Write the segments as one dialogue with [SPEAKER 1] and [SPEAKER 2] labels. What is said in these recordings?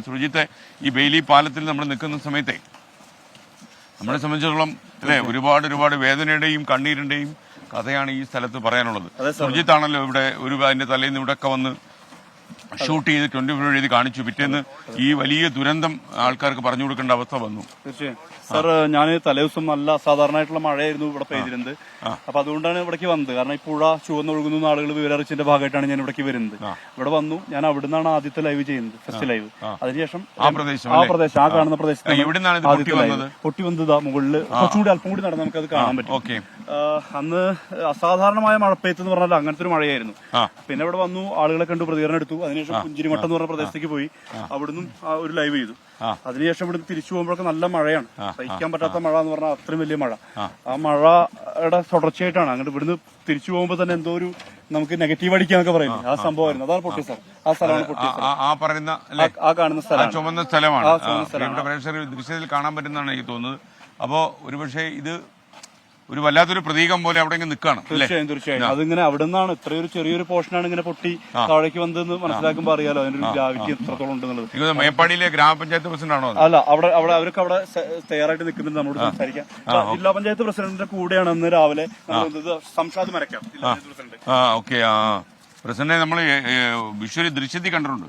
[SPEAKER 1] സുർജിത്തെ ഈ ബെയിലി പാലത്തിൽ നമ്മൾ നിൽക്കുന്ന സമയത്തെ നമ്മളെ സംബന്ധിച്ചിടത്തോളം അല്ലെ ഒരുപാട് വേദനയുടെയും കണ്ണീരിന്റെയും കഥയാണ് ഈ സ്ഥലത്ത് പറയാനുള്ളത്. സുർജിത്താണല്ലോ ഇവിടെ അതിന്റെ തലേന്ന് ഇവിടെയൊക്കെ വന്ന് ഷൂട്ട് ചെയ്ത് 24 എഴുതി കാണിച്ചു. പിറ്റേന്ന് ഈ വലിയ ദുരന്തം ആൾക്കാർക്ക് പറഞ്ഞു കൊടുക്കേണ്ട അവസ്ഥ വന്നു.
[SPEAKER 2] തീർച്ചയായും സാർ, ഞാൻ തലേദിവസം നല്ല അസാധാരണമായിട്ടുള്ള മഴയായിരുന്നു ഇവിടെ പെയ്തിരുന്നത്. അപ്പൊ അതുകൊണ്ടാണ് ഇവിടേക്ക് വന്നത്. കാരണം ഈ പുഴ ചുവന്നൊഴുകുന്ന ആളുകൾ വിവരറിച്ചതിന്റെ ഭാഗമായിട്ടാണ് ഞാൻ ഇവിടേക്ക് വരുന്നത്. ഇവിടെ വന്നു, ഞാൻ അവിടുന്നാണ് ആദ്യത്തെ ലൈവ് ചെയ്യുന്നത്, ഫസ്റ്റ് ലൈവ്. അതിനുശേഷം ആ പ്രദേശം, ആ കാണുന്ന പ്രദേശത്ത് പൊട്ടി വന്നത് മുകളിൽ കുറച്ചുകൂടി അല്പം കൂടി നടന്ന് നമുക്കത് കാണാൻ പറ്റും. അന്ന് അസാധാരണമായ മഴപ്പെയ്ത്ത് എന്ന് പറഞ്ഞാൽ അങ്ങനത്തെ ഒരു മഴയായിരുന്നു. പിന്നെ ഇവിടെ വന്നു, ആളുകളെ കണ്ടു, പ്രതികരണം എടുത്തു. അതിനുശേഷം പുഞ്ചിരിമട്ടം എന്ന് പറഞ്ഞ പ്രദേശത്തേക്ക് പോയി, അവിടുന്ന് ഒരു ലൈവ് ചെയ്തു. അതിനുശേഷം ഇവിടുന്ന് തിരിച്ചു പോകുമ്പോഴൊക്കെ നല്ല മഴയാണ്, സഹിക്കാൻ പറ്റാത്ത മഴ എന്ന് പറഞ്ഞാൽ അത്രയും വലിയ മഴ. ആ മഴയുടെ തുടർച്ചയായിട്ടാണ് അങ്ങോട്ട് ഇവിടുന്ന് തിരിച്ചു പോകുമ്പോൾ തന്നെ എന്തോ ഒരു നമുക്ക് നെഗറ്റീവ് അടിക്കാന്നൊക്കെ പറയുന്നത് ആ സംഭവമായിരുന്നു. അതാണ് പൊട്ടിയ സ്ഥലം. ആ സ്ഥലമാണ് പൊട്ടിയ സ്ഥലം. ആ കാണുന്ന സ്ഥലം
[SPEAKER 1] ചുമന്ന സ്ഥലമാണ്. ദൃശ്യത്തിൽ കാണാൻ പറ്റുന്നതാണ് എനിക്ക് തോന്നുന്നത്. അപ്പോ ഒരുപക്ഷെ ഇത് ഒരു വല്ലാത്തൊരു പ്രതീകം പോലെ അവിടെ നിൽക്കുകയാണ്.
[SPEAKER 2] തീർച്ചയായും അതിങ്ങനെ അവിടെ നിന്നാണ് ഇത്രയൊരു ചെറിയൊരു പോർഷനാണ് ഇങ്ങനെ പൊട്ടി താഴേക്ക് വന്നതെന്ന് മനസ്സിലാക്കുമ്പോൾ അറിയാലോ അതിന്റെ ഒരു ഗ്രാവിറ്റി എത്രത്തോളം ഉണ്ടെന്നുള്ളത്.
[SPEAKER 1] മേപ്പാടിയിലെ ഗ്രാമപഞ്ചായത്ത് പ്രസിഡന്റ് ആണോ?
[SPEAKER 2] അല്ല, അവർക്ക് അവിടെ തയ്യാറായിട്ട് നിൽക്കുന്നുണ്ട് നമ്മളോട് സംസാരിക്കാം. ജില്ലാ പഞ്ചായത്ത് പ്രസിഡന്റിന്റെ കൂടെയാണ് ഇന്ന് രാവിലെ സംഷാദ് മരക്കാം, ജില്ലാ പഞ്ചായത്ത് പ്രസിഡന്റ്.
[SPEAKER 1] പ്രസിഡന്റിനെ നമ്മൾ വിഷ്വലി ദൃശ്യത്തിൽ കണ്ടിട്ടുണ്ട്.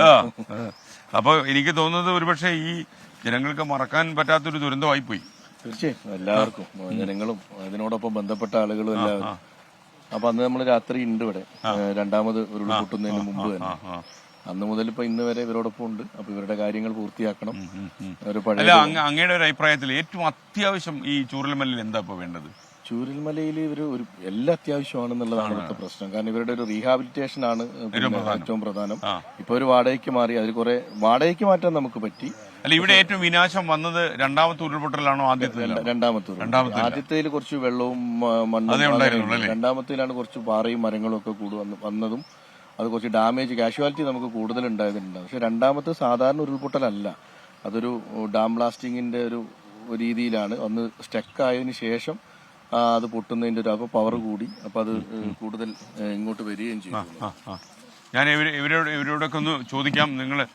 [SPEAKER 1] അപ്പൊ എനിക്ക് തോന്നുന്നത് ഒരുപക്ഷെ ഈ ജനങ്ങൾക്ക് മറക്കാൻ പറ്റാത്തൊരു ദുരന്തമായി പോയി.
[SPEAKER 3] തീർച്ചയായും എല്ലാവർക്കും, ജനങ്ങളും അതിനോടൊപ്പം ബന്ധപ്പെട്ട ആളുകളും എല്ലാവരും. അപ്പൊ അന്ന് നമ്മൾ രാത്രി ഉണ്ട് ഇവിടെ, രണ്ടാമത് ഉരുൾപൊട്ടുന്നതിന് മുമ്പ് തന്നെ. അന്ന് മുതൽ ഇപ്പൊ ഇന്ന് വരെ ഇവരോടൊപ്പം ഉണ്ട്. അപ്പൊ ഇവരുടെ കാര്യങ്ങൾ പൂർത്തിയാക്കണം.
[SPEAKER 1] അങ്ങയുടെ ഒരു അഭിപ്രായത്തിൽ ഏറ്റവും അത്യാവശ്യം ഈ ചൂരൽമലയിൽ എന്താ ഇപ്പൊ വേണ്ടത്?
[SPEAKER 3] ചൂരൽമലയിൽ ഇവര് എല്ലാം അത്യാവശ്യമാണെന്നുള്ളതാണ് ഇവിടുത്തെ പ്രശ്നം. കാരണം ഇവരുടെ ഒരു റീഹാബിലിറ്റേഷൻ ആണ് ഏറ്റവും പ്രധാനം. ഇപ്പൊ ഒരു വാടകയ്ക്ക് മാറി, അതിൽ കുറെ വാടകയ്ക്ക് മാറ്റാൻ നമുക്ക് പറ്റി.
[SPEAKER 1] അല്ല, ഇവിടെ ഏറ്റവും വിനാശം വന്നത് രണ്ടാമത്തെ ഉരുൾപൊട്ടലാണോ
[SPEAKER 3] രണ്ടാമത്തെ? ആദ്യത്തേതിൽ കുറച്ച് വെള്ളവും മണ്ണും, രണ്ടാമത്തേലാണ് കുറച്ച് പാറയും മരങ്ങളും ഒക്കെ വന്നതും അത് കുറച്ച് ഡാമേജ് കാഷ്വാലിറ്റി നമുക്ക് കൂടുതൽ ഉണ്ടായതുണ്ട്. പക്ഷെ രണ്ടാമത്തെ സാധാരണ ഉരുൾപൊട്ടലല്ല, അതൊരു ഡാം ബ്ലാസ്റ്റിങ്ങിന്റെ ഒരു രീതിയിലാണ്. ഒന്ന് സ്റ്റക്ക് ആയതിനു ശേഷം അത് പൊട്ടുന്നതിന്റെ ഒരു പവർ കൂടി, അപ്പൊ അത് കൂടുതൽ ഇങ്ങോട്ട് വരികയും ചെയ്തു.
[SPEAKER 1] ഞാൻ ഇവരോടൊക്കെ ഒന്ന് ചോദിക്കാം.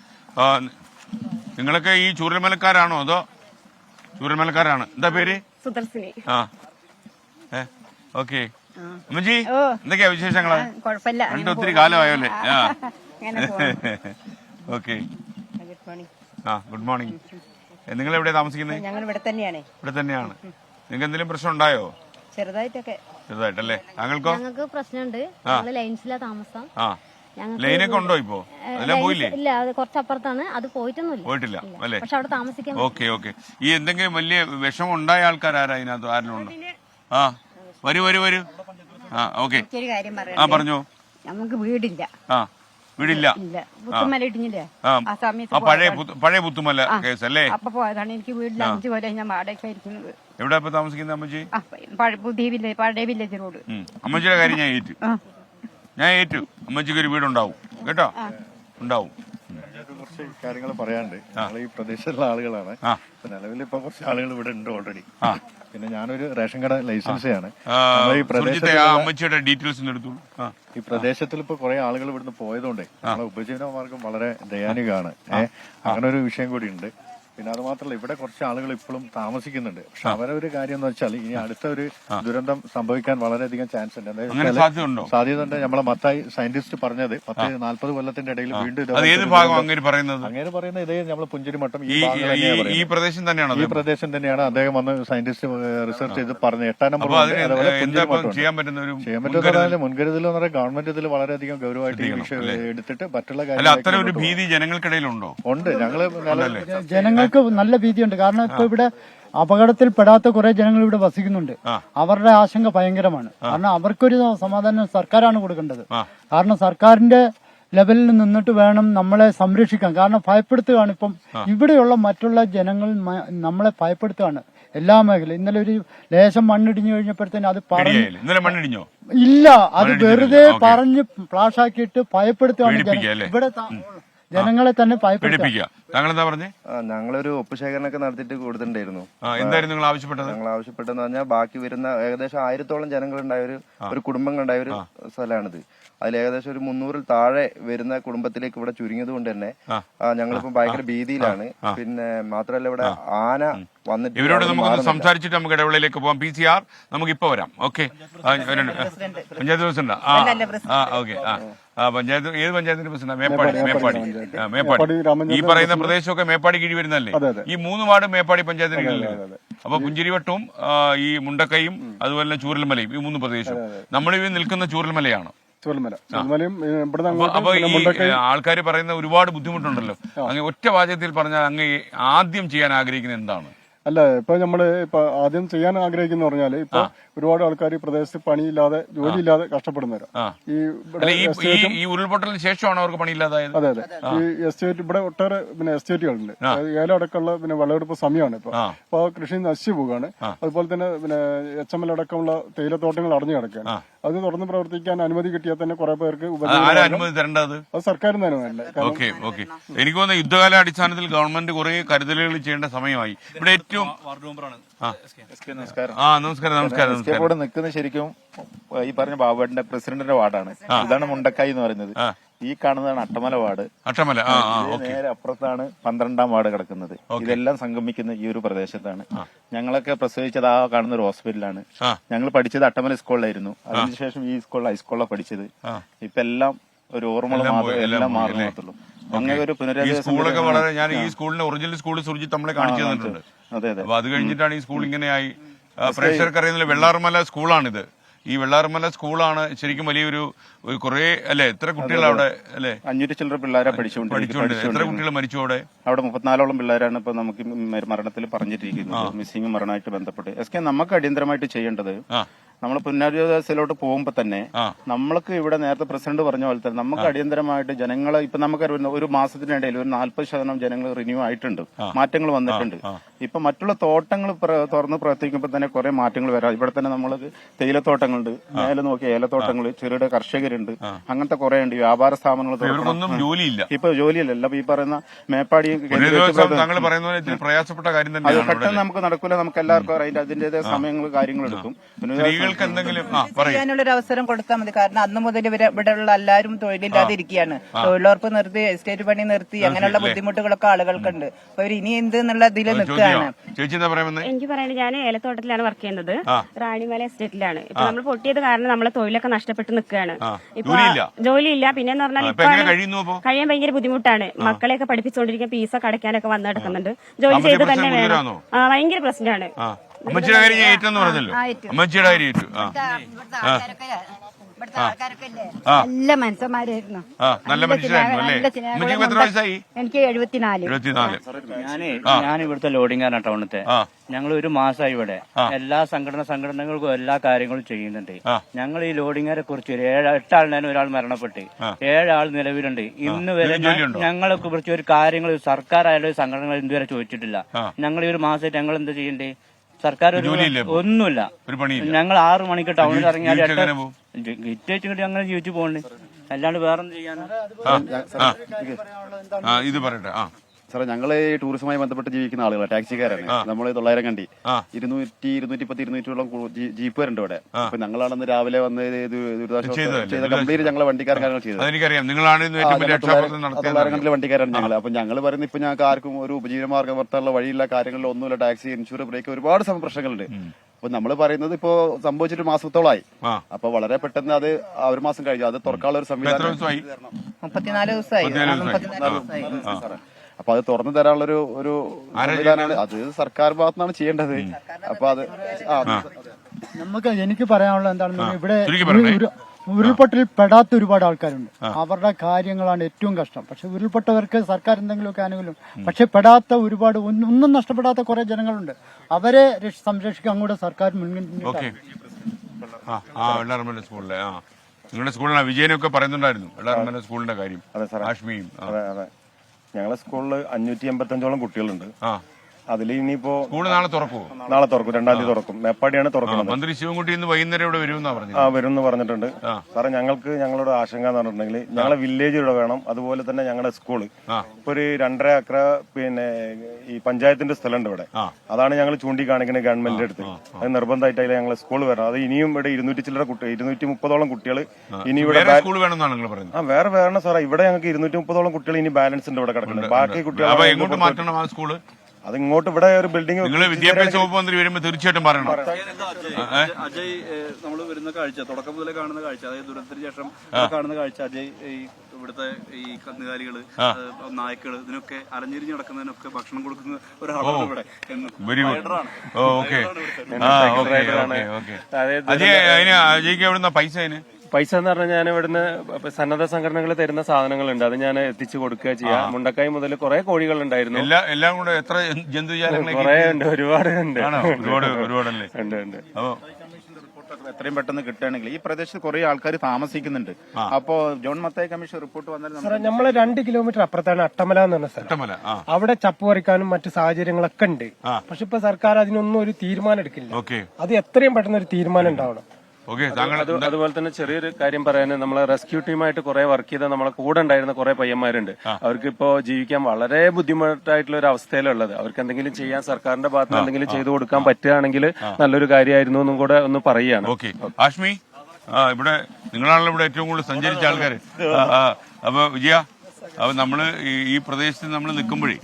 [SPEAKER 1] നിങ്ങളൊക്കെ ഈ ചൂരൽമലക്കാരാണോ അതോ? ചൂരൽമലക്കാരാണ്. എന്താ പേര്?
[SPEAKER 4] സുദർശിനി.
[SPEAKER 1] ഓക്കെ. അമ്മജി, എന്തൊക്കെയാ വിശേഷങ്ങള്? കണ്ട് ഒത്തിരി കാലമായല്ലേ? ഓക്കെ. Good morning. നിങ്ങൾ എവിടെയാ താമസിക്കുന്നത്?
[SPEAKER 4] ഞങ്ങൾ ഇവിടെ തന്നെയാണ്.
[SPEAKER 1] ഇവിടെ തന്നെയാണ്. നിങ്ങൾക്ക് എന്തെങ്കിലും പ്രശ്നം ഉണ്ടായോ?
[SPEAKER 4] ചെറുതായിട്ടല്ലേ?
[SPEAKER 1] താങ്കൾക്കോ?
[SPEAKER 5] ഞങ്ങൾക്ക് പ്രശ്നമുണ്ട്. ലൈൻസിലാ താമസം.
[SPEAKER 1] ലൈനൊക്കെ ഉണ്ടോ ഇപ്പോ? അതെല്ലാം പോയില്ലേ?
[SPEAKER 5] ഇല്ല, അത് കുറച്ചപ്പുറത്താണ്. അത്
[SPEAKER 1] പോയിട്ടില്ല അല്ലേ?
[SPEAKER 5] പക്ഷെ അവിടെ താമസിക്കാൻ.
[SPEAKER 1] ഓക്കെ. ഈ എന്തെങ്കിലും വലിയ വിഷമം ഉണ്ടായ ആൾക്കാരാരാ ഇതിനകത്ത്? ആരെങ്കിലും ഉണ്ടോ? വരൂ. ഓക്കെ. പറഞ്ഞോ.
[SPEAKER 4] നമുക്ക് വീടില്ല.
[SPEAKER 1] വീടില്ല.
[SPEAKER 4] പുത്തുമല ഇടിഞ്ഞില്ലേ?
[SPEAKER 1] പഴയ പുത്തുമല കേസ് അല്ലേ?
[SPEAKER 4] അപ്പൊ പോയതാണ്. എനിക്ക് വീട്ടിൽ 5 കൊല്ലം ഞാൻ വാടക ഇരിക്കുന്നത്.
[SPEAKER 1] എവിടെ താമസിക്കുന്നത് അമ്മച്ചി?
[SPEAKER 4] പഴയ വില്ലേജ് റോഡ്.
[SPEAKER 1] അമ്മച്ചിയുടെ കാര്യം ഞാൻ ഏറ്റു. അമ്മച്ചിക്ക് ഒരു വീടുണ്ടാവും കേട്ടോ, ഉണ്ടാവും.
[SPEAKER 6] കുറച്ച് കാര്യങ്ങൾ പറയാണ്ട്. ഞങ്ങൾ ഈ പ്രദേശത്തുള്ള ആളുകളാണ്. നിലവിൽ ഇപ്പൊ കുറച്ച് ആളുകൾ ഇവിടെ ഉണ്ട് ഓൾറെഡി. പിന്നെ ഞാനൊരു റേഷൻ കട ലൈസൻസിയാണ്.
[SPEAKER 1] അമ്മച്ചിയുടെ ഡീറ്റെയിൽസ് എടുത്തു.
[SPEAKER 6] ഈ പ്രദേശത്തിൽ ഇപ്പൊ കുറെ ആളുകൾ ഇവിടുന്ന് പോയതുകൊണ്ട് നമ്മളെ ഉപജീവന മാർഗം വളരെ ദയാനികമാണ്. അങ്ങനെ ഒരു വിഷയം കൂടി ഉണ്ട്. പിന്നെ അത് മാത്രമല്ല, ഇവിടെ കുറച്ച് ആളുകൾ ഇപ്പോഴും താമസിക്കുന്നുണ്ട്. പക്ഷെ അവരൊരു കാര്യം എന്ന് വെച്ചാൽ ഇനി അടുത്ത ഒരു ദുരന്തം സംഭവിക്കാൻ വളരെയധികം ചാൻസ് ഉണ്ട്. സാധ്യത ഉണ്ട്. നമ്മളെ മത്തായി സയന്റിസ്റ്റ് പറഞ്ഞത് 40 കൊല്ലത്തിന്റെ ഇടയിൽ വീണ്ടും അങ്ങനെ പറയുന്ന ഇതേ നമ്മളെ പുഞ്ചിരിമട്ടം ഈ പ്രദേശം തന്നെയാണ്. അദ്ദേഹം വന്ന് സയന്റിസ്റ്റ് റിസർച്ച് ചെയ്ത് പറഞ്ഞത് 8ാം നമ്പർ. ചെയ്യാൻ പറ്റുന്ന മുൻകരുതൽ എന്ന് പറയുന്നത് ഗവൺമെന്റ് ഇതിൽ വളരെയധികം ഗൗരവമായിട്ട് ഈ വിഷയം എടുത്തിട്ട് മറ്റുള്ള
[SPEAKER 1] കാര്യങ്ങൾ ഭീതി ജനങ്ങൾക്കിടയിലുണ്ടോ?
[SPEAKER 6] ഉണ്ട്.
[SPEAKER 7] ജനങ്ങൾക്ക് നല്ല ഭീതിയുണ്ട്. കാരണം ഇപ്പൊ ഇവിടെ അപകടത്തിൽപ്പെടാത്ത കുറെ ജനങ്ങൾ ഇവിടെ വസിക്കുന്നുണ്ട്. അവരുടെ ആശങ്ക ഭയങ്കരമാണ്. കാരണം അവർക്കൊരു സമാധാനം സർക്കാരാണ് കൊടുക്കേണ്ടത്. കാരണം സർക്കാരിന്റെ ലെവലിൽ നിന്നിട്ട് വേണം നമ്മളെ സംരക്ഷിക്കാൻ. കാരണം ഭയപ്പെടുത്തുകയാണ് ഇപ്പം ഇവിടെയുള്ള മറ്റുള്ള ജനങ്ങൾ നമ്മളെ ഭയപ്പെടുത്തുകയാണ് എല്ലാ മേഖലയും. ഇന്നലെ ഒരു ലേശം മണ്ണിടിഞ്ഞു കഴിഞ്ഞപ്പോഴത്തേനും അത്
[SPEAKER 1] മണ്ണിടിഞ്ഞോ?
[SPEAKER 7] ഇല്ല, അത് വെറുതെ പറഞ്ഞ് ഫ്ലാഷാക്കിയിട്ട് ഭയപ്പെടുത്തുകയാണ്. ജനങ്ങളെ തന്നെ ഭയപ്പെടുത്തുക.
[SPEAKER 1] പേടിപ്പിക്കുക. താങ്കൾ എന്താ പറഞ്ഞേ?
[SPEAKER 3] ഞങ്ങളൊരു ഒപ്പ് ശേഖരണമൊക്കെ നടത്തിയിട്ട് കൊടുത്തിട്ടുണ്ടായിരുന്നു.
[SPEAKER 1] എന്തായിരുന്നു നിങ്ങൾ ആവശ്യപ്പെട്ടത്?
[SPEAKER 3] ഞങ്ങൾ ആവശ്യപ്പെട്ടെന്ന് പറഞ്ഞാൽ ബാക്കി വരുന്ന ഏകദേശം 1000-ഓളം ജനങ്ങളുണ്ടായ ഒരു കുടുംബങ്ങളുണ്ടായ ഒരു സ്ഥലമാണിത്. അതിൽ ഏകദേശം ഒരു 300-ൽ താഴെ വരുന്ന കുടുംബത്തിലേക്ക് ഇവിടെ ചുരുങ്ങിയത് കൊണ്ട് തന്നെ ഞങ്ങളിപ്പോ ഭയങ്കര ഭീതിയിലാണ്. പിന്നെ മാത്രമല്ല ഇവിടെ ആന വന്നിട്ട്
[SPEAKER 1] ഇവരോട് നമുക്ക് സംസാരിച്ചിട്ട് നമുക്ക് ഇടവേളയിലേക്ക് പോകാം. PCR നമുക്ക് ഇപ്പൊ വരാം. Okay, panchayat president. Okay. Panchayat ഏത് പഞ്ചായത്തിന്റെ പ്രസിഡന്റ്? മേപ്പാടി. ഈ പറയുന്ന പ്രദേശമൊക്കെ മേപ്പാടി കീഴ് വരുന്നല്ലേ? ഈ 3 വാർഡ് മേപ്പാടി പഞ്ചായത്തിന് കീഴിലാണ്. അപ്പൊ പുഞ്ചിരിവട്ടവും ഈ മുണ്ടക്കയും അതുപോലെ തന്നെ ചൂരൽമലയും, ഈ 3 പ്രദേശവും. നമ്മളിവ നിൽക്കുന്ന ചൂരൽമലയാണ്. അപ്പൊ ഈ ആൾക്കാർ പറയുന്ന ഒരുപാട് ബുദ്ധിമുട്ടുണ്ടല്ലോ. അങ്ങ് ഒറ്റ വാചകത്തിൽ പറഞ്ഞാൽ അങ്ങ് ആദ്യം ചെയ്യാൻ ആഗ്രഹിക്കുന്നത് എന്താണ്?
[SPEAKER 8] അല്ല, ഇപ്പൊ നമ്മള് ആദ്യം ചെയ്യാൻ ആഗ്രഹിക്കുന്ന പറഞ്ഞാല് ഇപ്പൊ ഒരുപാട് ആൾക്കാർ ഈ പ്രദേശത്ത് പണിയില്ലാതെ ജോലിയില്ലാതെ കഷ്ടപ്പെടുന്നവരാ.
[SPEAKER 1] ഈ ഉരുൾപൊട്ടലിന് ശേഷമാണ് അവർക്ക് പണിയില്ലാതായത്.
[SPEAKER 8] അതെ. ഈ എസ്റ്റേറ്റ് ഇവിടെ ഒട്ടേറെ എസ്റ്റേറ്റുകളുണ്ട്. ഏലം അടക്കമുള്ള വിളവെടുപ്പ് സമയമാണ് ഇപ്പൊ. അപ്പൊ കൃഷി നശിച്ചു പോവുകയാണ്. അതുപോലെ തന്നെ HML അടക്കമുള്ള തേയിലത്തോട്ടങ്ങൾ അടഞ്ഞു കിടക്കുകയാണ്. അത് തുറന്ന് പ്രവർത്തിക്കാൻ അനുമതി കിട്ടിയാൽ തന്നെ കുറെ പേർക്ക്
[SPEAKER 1] അനുമതി തരേണ്ടത്
[SPEAKER 8] അത് സർക്കാരിന് അനുമതി.
[SPEAKER 1] ഓക്കെ. എനിക്ക് തോന്നുന്നു യുദ്ധകാല അടിസ്ഥാനത്തിൽ ഗവൺമെന്റ് കുറെ കരുതലുകൾ ചെയ്യേണ്ട സമയമായി. ഇവിടെ ഏറ്റവും
[SPEAKER 9] നമസ്കാരം. ഇവിടെ നിൽക്കുന്നത് ശരിക്കും ഈ പറഞ്ഞ ബാബുവേട്ടന്റെ പ്രസിഡന്റിന്റെ വാർഡാണ്. ഇതാണ് മുണ്ടക്കായി എന്ന് പറയുന്നത്. ഈ കാണുന്നതാണ് അട്ടമല വാർഡ്. നേരെ അപ്പുറത്താണ് 12-ാം വാർഡ് കിടക്കുന്നത്. ഇതെല്ലാം സംഗമിക്കുന്ന ഈ ഒരു പ്രദേശത്താണ്. ഞങ്ങളൊക്കെ പ്രസവിച്ചത് ആ കാണുന്ന ഒരു ഹോസ്പിറ്റലാണ്. ഞങ്ങൾ പഠിച്ചത് അട്ടമല സ്കൂളിലായിരുന്നു. അതിനുശേഷം ഈ സ്കൂളിൽ ഹൈസ്കൂളിലാണ് പഠിച്ചത്. ഇപ്പൊ എല്ലാം ഒരു ഓർമ്മ എല്ലാം മാറുന്നുള്ളൂ. അങ്ങനെ ഒരു
[SPEAKER 1] സ്കൂളൊക്കെ വളരെ, ഞാൻ ഈ സ്കൂളിന്റെ ഒറിജിനൽ സ്കൂൾ സുർജിത്ത് നമ്മളെ കാണിച്ചു തന്നിട്ടുണ്ട്. അപ്പൊ അത് കഴിഞ്ഞിട്ടാണ് ഈ സ്കൂൾ ഇങ്ങനെയായി. പ്രേക്ഷകർക്ക് അറിയുന്നില്ല, വെള്ളാർമല സ്കൂളാണിത്. ഈ വെള്ളാർമല സ്കൂളാണ് ശരിക്കും വലിയൊരു കുറെ അല്ലെ, എത്ര കുട്ടികൾ അവിടെ അല്ലെ?
[SPEAKER 9] 500 ചില്ലറ പിള്ളേരെ പഠിച്ചുകൊണ്ട്
[SPEAKER 1] എത്ര കുട്ടികൾ മരിച്ചു അവിടെ?
[SPEAKER 9] 34ഓളം പിള്ളേരാണ് ഇപ്പൊ നമുക്ക് മരണത്തിൽ പറഞ്ഞിട്ടിരിക്കുന്നത്. മിസ്സിംഗ് മരണമായിട്ട് ബന്ധപ്പെട്ട് നമുക്ക് അടിയന്തരമായിട്ട് ചെയ്യേണ്ടത്, നമ്മൾ പുനരധിവാസത്തിലോട്ട് പോകുമ്പോ തന്നെ നമ്മൾക്ക് ഇവിടെ നേരത്തെ പ്രസിഡന്റ് പറഞ്ഞ പോലെ തന്നെ നമുക്ക് അടിയന്തരമായിട്ട് ജനങ്ങളെ ഇപ്പൊ നമുക്ക് ഒരു മാസത്തിനിടയിൽ ഒരു 40% ജനങ്ങൾ റിന്യൂ ആയിട്ടുണ്ട്, മാറ്റങ്ങൾ വന്നിട്ടുണ്ട്. ഇപ്പൊ മറ്റുള്ള തോട്ടങ്ങൾ തുറന്ന് പ്രവർത്തിക്കുമ്പോൾ തന്നെ കുറെ മാറ്റങ്ങൾ വരാം. ഇവിടെ തന്നെ നമ്മൾ തേയിലത്തോട്ടങ്ങളുണ്ട്, മേലെ നോക്കിയ ഏലത്തോട്ടങ്ങൾ, ചെറുകിട കർഷകരുണ്ട്, അങ്ങനത്തെ കുറെ ഉണ്ട്. വ്യാപാര സ്ഥാപനങ്ങൾ ഇപ്പൊ ജോലിയില്ല. ഈ പറയുന്ന മേപ്പാടി
[SPEAKER 1] പ്രയാസപ്പെട്ട കാര്യം
[SPEAKER 9] അത് പെട്ടെന്ന് നമുക്ക് നടക്കൂല. നമുക്ക് എല്ലാവർക്കും അതിന്റേതായ സമയങ്ങൾ കാര്യങ്ങൾ എടുക്കും.
[SPEAKER 10] ചെയ്യാനുള്ളൊരു അവസരം കൊടുത്താൽ മതി. കാരണം അന്ന് മുതൽ ഇവിടെയുള്ള എല്ലാവരും തൊഴിലില്ലാതെ ഇരിക്കുകയാണ്. തൊഴിലുറപ്പ് നിർത്തി, എസ്റ്റേറ്റ് പണി നിർത്തി, അങ്ങനെയുള്ള ബുദ്ധിമുട്ടുകളൊക്കെ ആളുകൾക്കുണ്ട്. അപ്പൊ അവർ ഇനി എന്ത് എന്നുള്ള ഇതിൽ നിൽക്കുകയാണ്.
[SPEAKER 11] എനിക്ക് പറയുന്നത്, ഞാൻ ഏലത്തോട്ടത്തിലാണ് വർക്ക് ചെയ്യുന്നത്. റാണിമല എസ്റ്റേറ്റിലാണ്. ഇപ്പൊ നമ്മൾ പൊട്ടിയത് കാരണം നമ്മളെ തൊഴിലൊക്കെ നഷ്ടപ്പെട്ട് നിൽക്കുകയാണ്. ഇപ്പൊ ജോലിയില്ല. പിന്നെന്ന് പറഞ്ഞാൽ ഇപ്പൊ കഴിയാൻ ഭയങ്കര ബുദ്ധിമുട്ടാണ്. മക്കളെയൊക്കെ പഠിപ്പിച്ചുകൊണ്ടിരിക്കാൻ ഫീസൊക്കെ അടയ്ക്കാനൊക്കെ വന്നു നടക്കുന്നുണ്ട്. ജോലി ചെയ്ത് തന്നെ വേണം. ഭയങ്കര പ്രശ്നമാണ്.
[SPEAKER 1] അമ്മച്ചിയുടെ കാര്യം ഞാൻ ഏറ്റെന്ന് പറഞ്ഞല്ലോ. അമ്മച്ചിയുടെ കാര്യം ഏറ്റു.
[SPEAKER 4] നല്ല മനുഷ്യന്മാരായിരുന്നു.
[SPEAKER 1] നല്ല മനുഷ്യരായിരുന്നു അല്ലേ? അമ്മച്ചിക്ക് എത്ര വയസ്സായി?
[SPEAKER 4] എനിക്ക് 74.
[SPEAKER 12] ഞാൻ ഇവിടുത്തെ ലോഡിംഗാണ് ടൗണത്തെ. ഞങ്ങൾ ഒരു മാസമായി ഇവിടെ. എല്ലാ സംഘടനകൾക്കും എല്ലാ കാര്യങ്ങളും ചെയ്യുന്നുണ്ട്. ഞങ്ങൾ ഈ ലോഡിംഗിനെ കുറിച്ച് 8 ആളിനാണ് ഒരാൾ മരണപ്പെട്ട് 7 ആൾ നിലവിലുണ്ട്. ഇന്ന് വരെ ഞങ്ങളെ കുറിച്ച് ഒരു കാര്യങ്ങൾ സർക്കാരായാലും സംഘടനകൾ ഇതുവരെ ചോദിച്ചിട്ടില്ല. ഞങ്ങൾ ഈ ഒരു മാസമായിട്ട് ഞങ്ങൾ എന്താ ചെയ്യണ്ടേ? സർക്കാർ ഒന്നുമില്ല. ഞങ്ങൾ 6 മണിക്ക് ടൗണിൽ ഇറങ്ങിയാൽ ഗിറ്റ് വെച്ചിട്ട് ഞങ്ങൾ ജീവിച്ചു പോകണ്ടേ, അല്ലാണ്ട് വേറൊന്നും ചെയ്യാനോ?
[SPEAKER 1] ഇത് പറയട്ടെ
[SPEAKER 3] സാറേ, ഞങ്ങള് ഈ ടൂറിസവുമായി ബന്ധപ്പെട്ട് ജീവിക്കുന്ന ആളുകളാണ്, ടാക്സിക്കാരാണ്. നമ്മൾ 900 കണ്ടി 200, 210, 200ഓളം ജീപ്പുകാരുണ്ട് ഇവിടെ. അപ്പൊ ഞങ്ങളാണെന്ന് രാവിലെ വന്ന് ചെയ്ത കംപ്ലീറ്റ് ഞങ്ങളെ വണ്ടിക്കാരൻ കാര്യങ്ങൾ ചെയ്തത്. വണ്ടിക്കാരാണ് ഞങ്ങൾ. അപ്പൊ ഞങ്ങൾ പറയുന്നത് ഇപ്പൊ ഞങ്ങൾക്ക് ആർക്കും ഒരു ഉപജീവനമാർഗം വർത്താനുള്ള വഴിയില്ല, കാര്യങ്ങളിൽ ഒന്നുമില്ല. ടാക്സി, ഇൻഷുറൻസ്, ബ്രേക്ക്, ഒരുപാട് പ്രശ്നങ്ങളുണ്ട്. അപ്പൊ നമ്മൾ പറയുന്നത് ഇപ്പോ സംഭവിച്ചിട്ട് മാസത്തോളായി. അപ്പൊ വളരെ പെട്ടെന്ന് അത് 1 മാസം കഴിഞ്ഞു. അത് തുറക്കാനുള്ള ഒരു സംവിധാനം
[SPEAKER 10] 34 ദിവസമായി.
[SPEAKER 3] അപ്പൊ അത് തുറന്നു തരാനുള്ള ഒരു സംവിധാനമാണ്. അത് സർക്കാർ ഭാഗത്തുനിന്നാണ് ചെയ്യേണ്ടത്. അപ്പൊ അത്
[SPEAKER 7] എനിക്ക് പറയാനുള്ളത് എന്താണെന്ന്, ഇവിടെ ഉരുൾപൊട്ടലിൽ പെടാത്ത ഒരുപാട് ആൾക്കാരുണ്ട്. അവരുടെ കാര്യങ്ങളാണ് ഏറ്റവും കഷ്ടം. പക്ഷെ ഉരുൾപൊട്ടവർക്ക് സർക്കാർ എന്തെങ്കിലുമൊക്കെ ആനുകൂല്യം, പക്ഷെ പെടാത്ത ഒരുപാട് ഒന്നും നഷ്ടപ്പെടാത്ത കുറെ ജനങ്ങളുണ്ട്. അവരെ സംരക്ഷിക്കാൻ കൂടെ സർക്കാർ മുൻഗണന.
[SPEAKER 1] സ്കൂളിലെ നിങ്ങളുടെ സ്കൂളിലാണ് വിജയനൊക്കെ പറയുന്നുണ്ടായിരുന്നു വെള്ളാർമല സ്കൂളിന്റെ കാര്യം.
[SPEAKER 3] ഞങ്ങളെ സ്കൂളിൽ 585ഓളം കുട്ടികളുണ്ട്.
[SPEAKER 13] അതിൽ ഇനിയിപ്പോ
[SPEAKER 1] സ്കൂള് നാളെ തുറക്കുമോ?
[SPEAKER 13] നാളെ തുറക്കും, 2-ാം തീയതി തുറക്കും. മേപ്പാടിയാണ് തുറക്കുന്നത്.
[SPEAKER 1] മന്ത്രി ശിവൻകുട്ടി ഇന്ന് വൈകുന്നേരം ഇവിടെ വരുമെന്നാ പറഞ്ഞത്.
[SPEAKER 13] വരും എന്ന് പറഞ്ഞിട്ടുണ്ട്. സാറേ, ഞങ്ങളുടെ ആശങ്ക എന്ന് പറഞ്ഞിട്ടുണ്ടെങ്കിൽ ഞങ്ങളെ വില്ലേജ് ഇവിടെ വേണം, അതുപോലെ തന്നെ ഞങ്ങളുടെ സ്കൂള് ഇപ്പൊ ഒരു 2.5 ഏക്കർ പിന്നെ ഈ പഞ്ചായത്തിന്റെ സ്ഥലമുണ്ട് ഇവിടെ. അതാണ് ഞങ്ങൾ ചൂണ്ടിക്കാണിക്കുന്നത് ഗവൺമെന്റിന്റെ അടുത്ത്. അത് നിർബന്ധമായിട്ട് അതിൽ ഞങ്ങളെ സ്കൂൾ വരണം. അത് ഇനിയും ഇവിടെ 230ഓളം കുട്ടികൾ ഇനി ഇവിടെ
[SPEAKER 1] സ്കൂൾ വേണമെന്നാണ് നിങ്ങൾ പറയുന്നത്.
[SPEAKER 13] വേറെ വേണം സാറേ. ഇവിടെ ഞങ്ങൾക്ക് 230ഓളം കുട്ടികൾ ഇനി ബാലൻസ് ഉണ്ട് ഇവിടെ കിടക്കുന്നത്. ബാക്കി കുട്ടികൾ
[SPEAKER 1] എങ്ങോട്ട് മാറ്റണം ആ സ്കൂള്?
[SPEAKER 13] അത് ഇങ്ങോട്ട് ഇവിടെ ഒരു ബിൽഡിംഗ്
[SPEAKER 1] നിങ്ങൾ വിദ്യാഭ്യാസ വകുപ്പ് മന്ത്രി വരുമ്പോ തീർച്ചയായിട്ടും പറയണം.
[SPEAKER 2] അജയ്, നമ്മൾ വരുന്ന കാഴ്ച, തുടക്കം മുതലേ കാണുന്ന കാഴ്ച, അതായത് ദുരന്തത്തിന് ശേഷം കാണുന്ന കാഴ്ച, അജയ് ഈ ഇവിടുത്തെ ഈ കന്നുകാലികള്, നായ്ക്കള്, ഇതിനൊക്കെ അലഞ്ഞിരിഞ്ഞ് നടക്കുന്നതിനൊക്കെ ഭക്ഷണം കൊടുക്കുന്ന ഒരാളാണ് ഇവിടെ.
[SPEAKER 1] അജയ്ക്ക് എവിടുന്ന
[SPEAKER 14] പൈസ എന്ന് പറഞ്ഞാൽ ഞാൻ ഇവിടുന്ന് സന്നദ്ധ സംഘടനകൾ തരുന്ന സാധനങ്ങളുണ്ട്, അത് ഞാൻ എത്തിച്ചു കൊടുക്കുക ചെയ്യാം. മുണ്ടക്കായ് മുതൽ കുറെ കോഴികൾ ഉണ്ടായിരുന്നു.
[SPEAKER 1] എല്ലാം കൂടെ എത്ര ജന്തുജാലങ്ങൾ?
[SPEAKER 14] കുറെ ഉണ്ട്, ഒരുപാടുണ്ട്.
[SPEAKER 1] ഒരുപാടല്ലേ?
[SPEAKER 14] ഉണ്ട്.
[SPEAKER 9] എത്രയും പെട്ടെന്ന് കിട്ടുകയാണെങ്കിൽ ഈ പ്രദേശത്ത് കുറെ ആൾക്കാർ താമസിക്കുന്നുണ്ട്. അപ്പോ ജോൺ മത്തായി കമ്മീഷൻ റിപ്പോർട്ട് വന്നാൽ
[SPEAKER 15] നമ്മള് 2 കിലോമീറ്റർ അപ്പുറത്താണ് അട്ടമല എന്ന് പറഞ്ഞ സ്ഥലം. അവിടെ ചപ്പ് പറിക്കാനും മറ്റു സാഹചര്യങ്ങളൊക്കെ ഉണ്ട്. പക്ഷെ ഇപ്പൊ സർക്കാർ അതിനൊന്നും ഒരു തീരുമാനം എടുക്കില്ല. അത് എത്രയും പെട്ടെന്ന് ഒരു തീരുമാനം ഉണ്ടാവണം.
[SPEAKER 14] അതുപോലെ തന്നെ ചെറിയൊരു കാര്യം പറയാൻ, നമ്മളെ റെസ്ക്യൂ ടീമായിട്ട് കുറെ വർക്ക് ചെയ്ത നമ്മളെ കൂടെ ഉണ്ടായിരുന്ന കുറെ പയ്യന്മാരുണ്ട്. അവർക്ക് ഇപ്പോ ജീവിക്കാൻ വളരെ ബുദ്ധിമുട്ടായിട്ടുള്ള ഒരു അവസ്ഥയിലുള്ളത്. അവർക്ക് എന്തെങ്കിലും ചെയ്യാൻ സർക്കാരിന്റെ ഭാഗത്ത് എന്തെങ്കിലും ചെയ്തു കൊടുക്കാൻ പറ്റുകയാണെങ്കിൽ നല്ലൊരു കാര്യമായിരുന്നു എന്നും കൂടെ ഒന്ന് പറയുകയാണ്.
[SPEAKER 1] ആഷ്മി, ഇവിടെ നിങ്ങളാണല്ലോ ഇവിടെ ഏറ്റവും കൂടുതൽ സഞ്ചരിച്ച ആൾക്കാർ. അപ്പൊ വിജയ, അപ്പൊ നമ്മള് ഈ പ്രദേശത്ത് നമ്മൾ നിൽക്കുമ്പോഴേ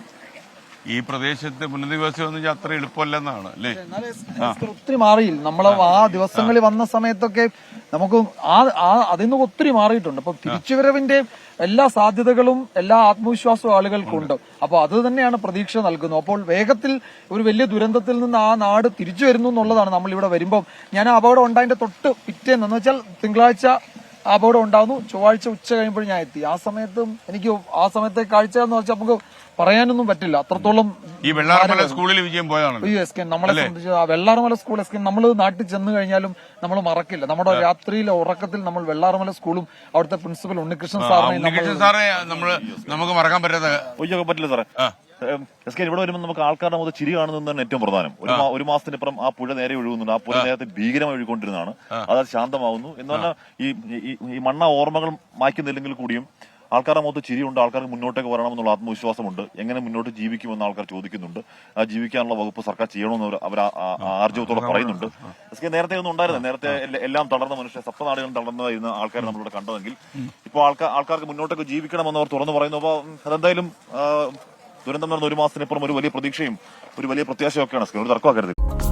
[SPEAKER 1] ഈ പ്രദേശത്ത് പുനരധിവാസം എന്ന് വെച്ചാൽ അത്ര എളുപ്പമല്ലെന്നാണ് അല്ലേ?
[SPEAKER 16] ഒത്തിരി മാറിയില്ല. നമ്മൾ ആ ദിവസങ്ങളിൽ വന്ന സമയത്തൊക്കെ നമുക്ക് അതിൽ നിന്ന് ഒത്തിരി മാറിയിട്ടുണ്ട്. അപ്പൊ തിരിച്ചുവരവിന്റെ എല്ലാ സാധ്യതകളും എല്ലാ ആത്മവിശ്വാസവും ആളുകൾക്കുണ്ട്. അപ്പൊ അത് തന്നെയാണ് പ്രതീക്ഷ നൽകുന്നത്. അപ്പോൾ വേഗത്തിൽ ഒരു വലിയ ദുരന്തത്തിൽ നിന്ന് ആ നാട് തിരിച്ചു വരുന്നു എന്നുള്ളതാണ്. നമ്മൾ ഇവിടെ വരുമ്പോൾ ഞാൻ അപകടം ഉണ്ടായതിന്റെ തൊട്ട് പിറ്റേന്ന് എന്ന് വെച്ചാൽ തിങ്കളാഴ്ച അപകടം ഉണ്ടാവുന്നു, ചൊവ്വാഴ്ച ഉച്ച കഴിയുമ്പോൾ ഞാൻ എത്തി. ആ സമയത്തും എനിക്ക് ആ സമയത്തെ കാഴ്ച എന്ന് വെച്ചാൽ നമുക്ക് പറയാനൊന്നും പറ്റില്ല. അത്രത്തോളം
[SPEAKER 1] ഈ വെള്ളാർമല സ്കൂളിൽ വിജയം പോയതാണ്.
[SPEAKER 16] നമ്മളെ സംബന്ധിച്ച് ആ വെള്ളാർമല സ്കൂൾ നമ്മൾ നാട്ടിൽ ചെന്ന് കഴിഞ്ഞാലും നമ്മൾ മറക്കില്ല. നമ്മുടെ രാത്രിയിലെ ഉറക്കത്തിൽ നമ്മൾ വെള്ളാർമല സ്കൂളും അവിടുത്തെ പ്രിൻസിപ്പൽ ഉണ്ണികൃഷ്ണൻ
[SPEAKER 1] സാറെ നമുക്ക് മറക്കാൻ
[SPEAKER 17] പറ്റില്ല സാറേ. ഇവിടെ വരുമ്പോൾ നമുക്ക് ആൾക്കാരുടെ മുതൽ ചിരി കാണുന്നതാണ് ഏറ്റവും പ്രധാനം. ഒരു മാസത്തിനിപ്പുറം ആ പുഴ നേരെ ഒഴുകുന്നുണ്ട്. ആ പുഴ നേരത്തെ ഭീകരമായി ഒഴുകൊണ്ടിരുന്നതാണ്. അത് ശാന്തമാവുന്നു എന്ന് പറഞ്ഞാൽ ഈ മണ്ണ ഓർമ്മകൾ മായ്ക്കുന്നില്ലെങ്കിൽ കൂടിയും ആൾക്കാരുടെ മുഖത്ത് ചിരിയുണ്ട്. ആൾക്കാർക്ക് മുന്നോട്ടേക്ക് വരണമെന്നുള്ള ആത്മവിശ്വാസമുണ്ട്. എങ്ങനെ മുന്നോട്ട് ജീവിക്കുമെന്ന് ആൾക്കാർ ചോദിക്കുന്നുണ്ട്. ആ ജീവിക്കാനുള്ള വകുപ്പ് സർക്കാർ ചെയ്യണമെന്ന് അവർ ആർജവത്തോടെ പറയുന്നുണ്ട്. നേരത്തെ ഒന്നും ഉണ്ടായിരുന്നു. നേരത്തെ എല്ലാം തളർന്ന മനുഷ്യ സപ്തനാടുകളും തളർന്നതായിരുന്ന ആൾക്കാർ നമ്മളിവിടെ കണ്ടതെങ്കിൽ ഇപ്പോൾ ആൾക്കാർക്ക് മുന്നോട്ടേക്ക് ജീവിക്കണമെന്ന് അവർ തുറന്നു പറയുന്നു. അപ്പോൾ അതെന്തായാലും ദുരന്തം നടന്ന 1 മാസത്തിനിപ്പുറം ഒരു വലിയ പ്രതീക്ഷയും ഒരു വലിയ പ്രത്യാശയൊക്കെയാണ്. ഒരു തർക്കമാക്കരുത്.